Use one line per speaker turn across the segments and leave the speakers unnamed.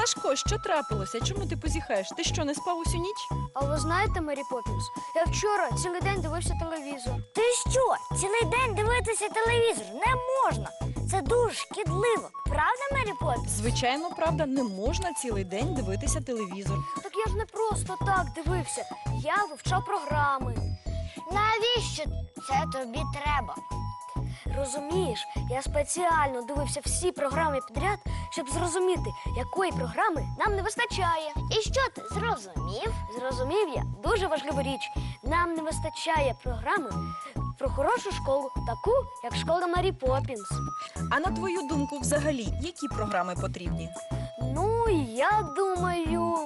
Сашко, що трапилося? Чому ти позіхаєш? Ти що, не спав усю ніч?
А ви знаєте, Мері Поппінс, я вчора цілий день дивився телевізор.
Ти що? Цілий день дивитися телевізор не можна. Це дуже шкідливо. Правда, Мері Поппінс?
Звичайно, правда, не можна цілий день дивитися телевізор.
Так я ж не просто так дивився. Я вивчав програми.
Навіщо це тобі треба?
Розумієш, я спеціально дивився всі програми підряд, щоб зрозуміти, якої програми нам не вистачає.
І що ти зрозумів?
Зрозумів я дуже важливу річ. Нам не вистачає програми про хорошу школу, таку, як школа Мері Поппінс.
А на твою думку, взагалі, які програми потрібні?
Ну, я думаю,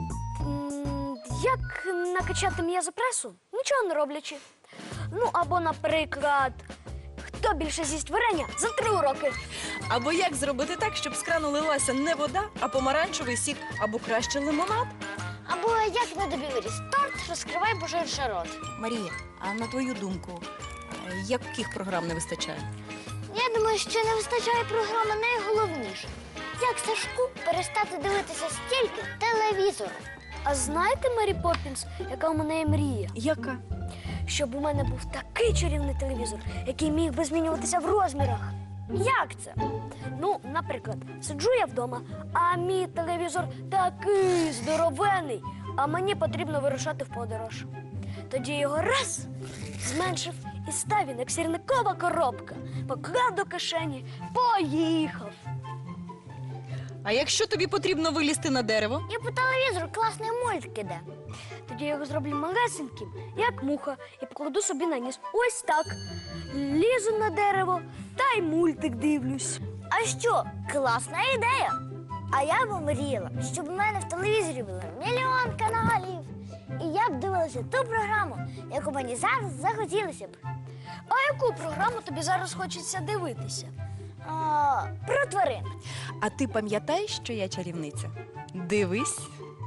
як накачати м'язопресу, нічого не роблячи. Ну, або, наприклад, хто більше з'їсть варення за 3 уроки.
Або як зробити так, щоб з крану лилася не вода, а помаранчевий сік, або краще лимонад?
Або як на тобі виріс торт, розкривай божий рот.
Марія, а на твою думку, яких програм не вистачає?
Я думаю, що не вистачає програми найголовніше. Як Сашку перестати дивитися стільки телевізору?
А знаєте, Мері Поппінс, яка у мене є мрія?
Яка?
Щоб у мене був такий чарівний телевізор, який міг би змінюватися в розмірах.
Як це?
Ну, наприклад, сиджу я вдома, а мій телевізор такий здоровений, а мені потрібно вирушати в подорож. Тоді його раз зменшив і став він, як сірникова коробка. Поклав до кишені, поїхав.
А якщо тобі потрібно вилізти на дерево?
І по телевізору класний мультик іде.
Тоді я його зроблю малесеньким, як муха, і покладу собі на ніс. Ось так. Лізу на дерево та й мультик дивлюсь.
А що? Класна ідея. А я б мріяла, щоб у мене в телевізорі було мільйон каналів. І я б дивилася ту програму, яку мені зараз захотілося б.
А яку програму тобі зараз хочеться дивитися?
Про тварин.
А ти пам'ятаєш, що я чарівниця? Дивись.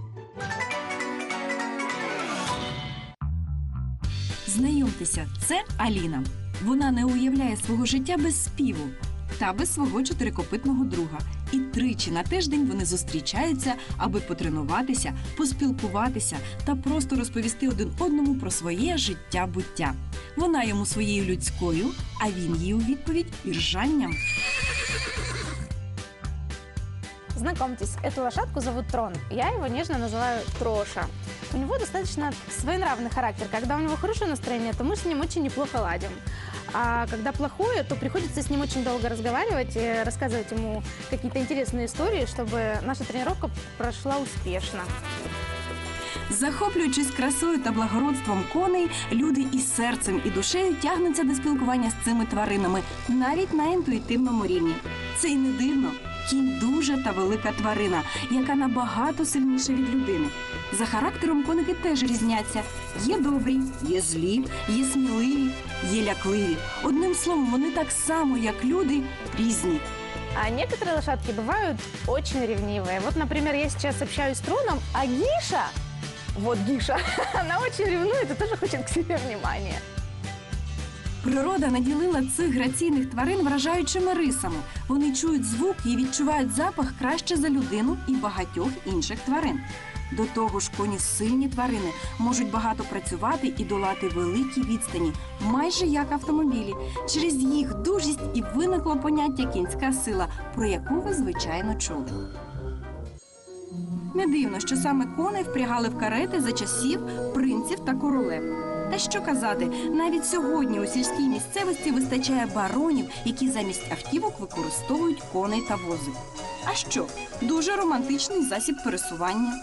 Знайомтеся, це Аліна. Вона не уявляє свого життя без співу та без свого чотирикопитного друга. І тричі на тиждень вони зустрічаються, аби потренуватися, поспілкуватися та просто розповісти один одному про своє життя-буття. Вона йому своєю людською, а він їй у відповідь іржанням.
Знакомьтесь, эту лошадку зовут Трон. Я его нежно называю Троша. У него достаточно своенравный характер. Когда у него хорошее настроение, то мы с ним очень неплохо ладим. А когда плохое, то приходится с ним очень долго разговаривать и рассказывать ему какие-то интересные истории, чтобы наша тренировка прошла успешно.
Захоплюючись красою та благородством коней, люди із серцем і душею тягнуться до спілкування з цими тваринами, навіть на інтуїтивному рівні. Це й не дивно. Кінь дуже та велика тварина, яка набагато сильніша від людини. За характером коники теж різняться. Є добрі, є злі, є сміливі, є лякливі. Одним словом, вони так само, як люди, різні.
А некоторые лошадки бывают очень ревнивые. Вот, например, я сейчас общаюсь с Троном, а Гиша, вот Гиша, она очень ревнует и тоже хочет к себе внимания.
Природа наділила цих граційних тварин вражаючими рисами. Вони чують звук і відчувають запах краще за людину і багатьох інших тварин. До того ж, коні сильні тварини можуть багато працювати і долати великі відстані, майже як автомобілі. Через їх дужість і виникло поняття «кінська сила», про яку ви, звичайно, чули. Не дивно, що саме коней впрягали в карети за часів принців та королев. Та що казати, навіть сьогодні у сільській місцевості вистачає баронів, які замість автівок використовують коней та вози. А що? Дуже романтичний засіб пересування.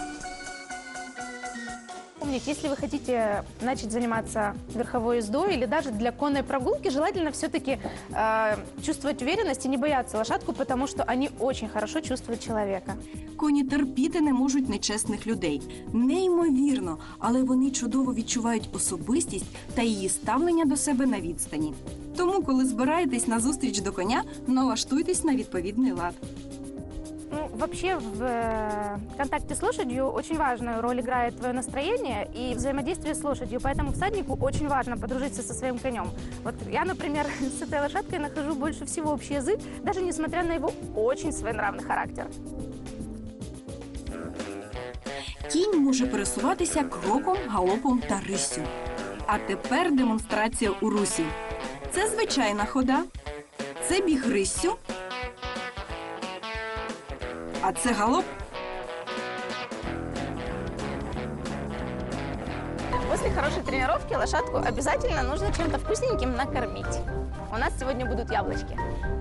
Помните, если вы хотите начать заниматься верховой ездой или даже для конной прогулки, желательно все-таки чувствовать уверенность и не бояться лошадку, потому что они очень хорошо чувствуют человека.
Коні терпіти не можуть нечесних людей. Неймовірно, але вони чудово відчувають особистість та її ставлення до себе на відстані. Тому, коли збираєтесь на зустріч до коня, налаштуйтесь на відповідний лад.
Ну, вообще в контакте с лошадью очень важную роль играет твое настроение и взаимодействие с лошадью, поэтому всаднику очень важно подружиться со своим конем. Вот я, например, с этой лошадкой нахожу больше всего общий язык, даже несмотря на его очень своенравный характер.
Кінь може пересуватися кроком, галопом та риссю. А тепер демонстрація у русі. Це звичайна хода, це біг риссю, а це галоп.
После хорошей тренировки лошадку обязательно нужно чем-то вкусненьким накормить. У нас сегодня будут яблочки.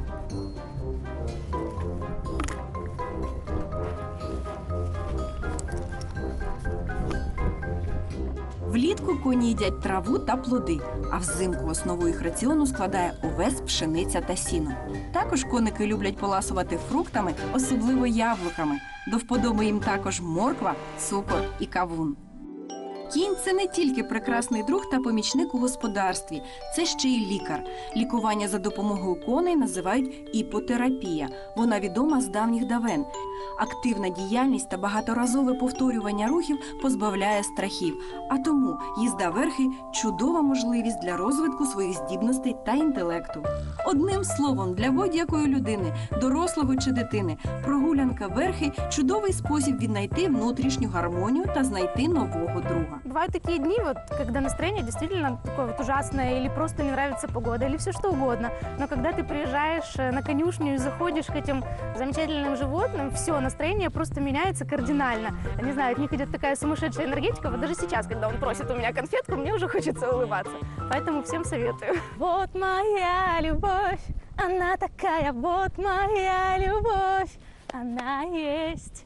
Влітку коні їдять траву та плоди, а взимку основу їх раціону складає овес, пшениця та сіно. Також коники люблять поласувати фруктами, особливо яблуками. До вподоби їм також морква, цукор і кавун. Кінь – це не тільки прекрасний друг та помічник у господарстві, це ще й лікар. Лікування за допомогою коней називають іпотерапія. Вона відома з давніх давен. Активна діяльність та багаторазове повторювання рухів позбавляє страхів. А тому їзда верхи – чудова можливість для розвитку своїх здібностей та інтелекту. Одним словом, для будь-якої людини, дорослого чи дитини, прогулянка верхи – чудовий спосіб віднайти внутрішню гармонію та знайти нового друга.
Бывают такие дни, вот, когда настроение действительно такое вот ужасное, или просто не нравится погода, или все что угодно. Но когда ты приезжаешь на конюшню и заходишь к этим замечательным животным, все, настроение просто меняется кардинально. Не знаю, от них идет такая сумасшедшая энергетика. Вот даже сейчас, когда он просит у меня конфетку, мне уже хочется улыбаться. Поэтому всем советую. Вот моя любовь, она такая, вот моя любовь, она есть.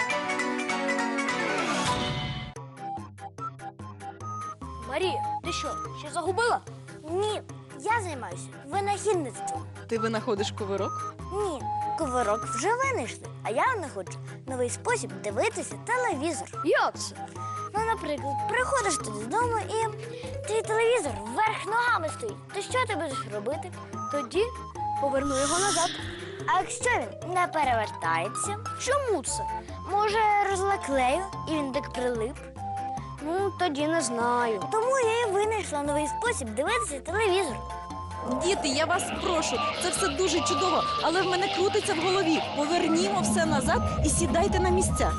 Марія, ти що, ще загубила?
Ні, я займаюся винахідництвом.
Ти винаходиш кувирок?
Ні, кувирок вже винайшли, а я знаходжу новий спосіб дивитися телевізор.
Як це?
Ну, наприклад, приходиш ти додому і твій телевізор вверх ногами стоїть. То що ти будеш робити?
Тоді поверну його назад.
А якщо він не перевертається,
Чому це?
може розлаклею і він так прилип.
Ну, тоді не знаю.
Тому я і винайшла новий спосіб дивитися телевізор.
Діти, я вас прошу, це все дуже чудово, але в мене крутиться в голові. Повернімо все назад і сідайте на місця.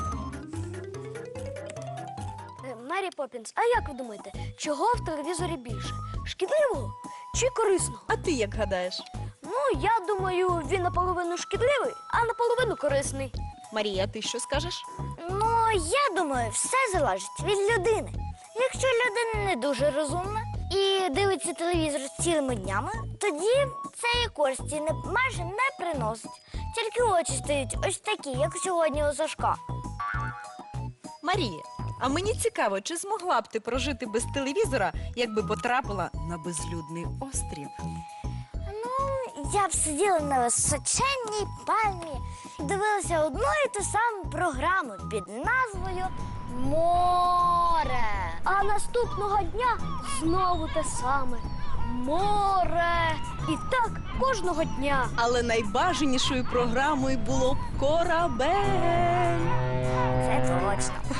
Мері Поппінс, а як ви думаєте, чого в телевізорі більше? Шкідливого чи корисного?
А ти як гадаєш?
Ну, я думаю, він наполовину шкідливий, а наполовину корисний.
Марія, ти що скажеш?
Ну, я думаю, все залежить від людини. Якщо людина не дуже розумна і дивиться телевізор цілими днями, тоді це і користі майже не приносить. Тільки очі стають ось такі, як сьогодні у Сашка.
Марія, а мені цікаво, чи змогла б ти прожити без телевізора, якби потрапила на безлюдний острів?
Ну, я б сиділа на височенній пальмі і дивилася одну і ту саму програму під назвою «Море».
А наступного дня знову те саме. Море. І так кожного дня.
Але найбажанішою програмою було б «Корабель».
Це точно.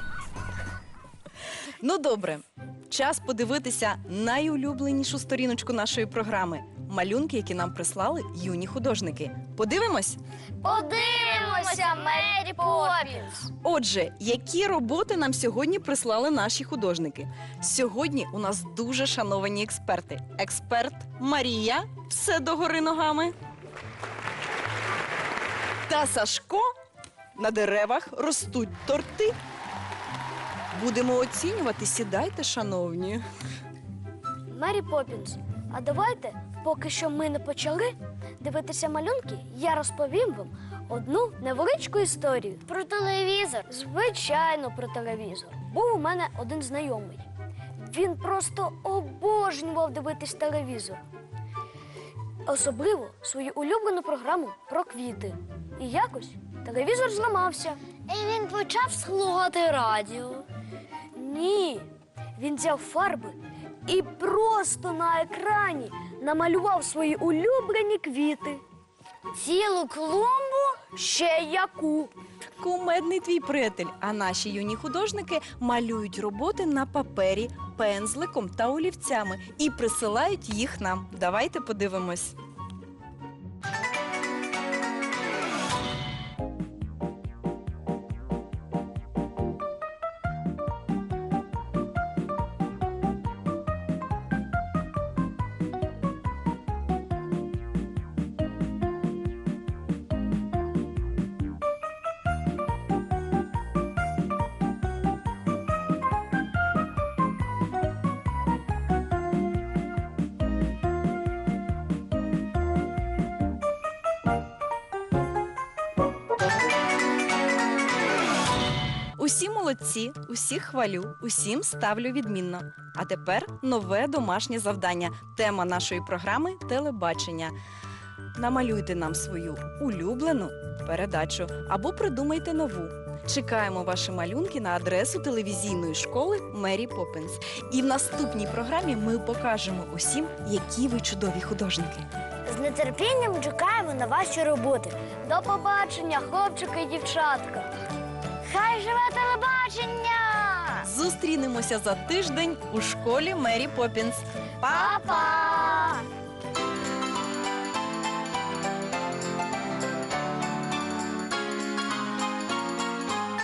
Ну добре, час подивитися найулюбленішу сторіночку нашої програми. Малюнки, які нам прислали юні художники. Подивимось?
Подивимося, Мері Поппінс.
Отже, які роботи нам сьогодні прислали наші художники? Сьогодні у нас дуже шановані експерти. Експерт Марія, все догори ногами. Та Сашко, на деревах ростуть торти. Будемо оцінювати, сідайте, шановні.
Мері Поппінс, а давайте, поки що ми не почали дивитися малюнки, я розповім вам одну невеличку історію.
Про телевізор.
Звичайно, про телевізор. Був у мене один знайомий. Він просто обожнював дивитись телевізор. Особливо свою улюблену програму про квіти. І якось телевізор зламався.
І він почав слухати радіо.
Ні, він взяв фарби і просто на екрані намалював свої улюблені квіти.
Цілу клумбу?
Ще яку.
Кумедний твій приятель, а наші юні художники малюють роботи на папері, пензликом та олівцями і присилають їх нам. Давайте подивимось. молодці, усіх хвалю, усім ставлю відмінно. А тепер нове домашнє завдання. Тема нашої програми – телебачення. Намалюйте нам свою улюблену передачу або придумайте нову. Чекаємо ваші малюнки на адресу телевізійної школи Мері Поппінс. І в наступній програмі ми покажемо усім, які ви чудові художники.
З нетерпінням чекаємо на ваші роботи.
До побачення, хлопчики і дівчатка.
Хай живе телебачення!
Зустрінемося за тиждень у школі Мері Поппінс.
Па-па!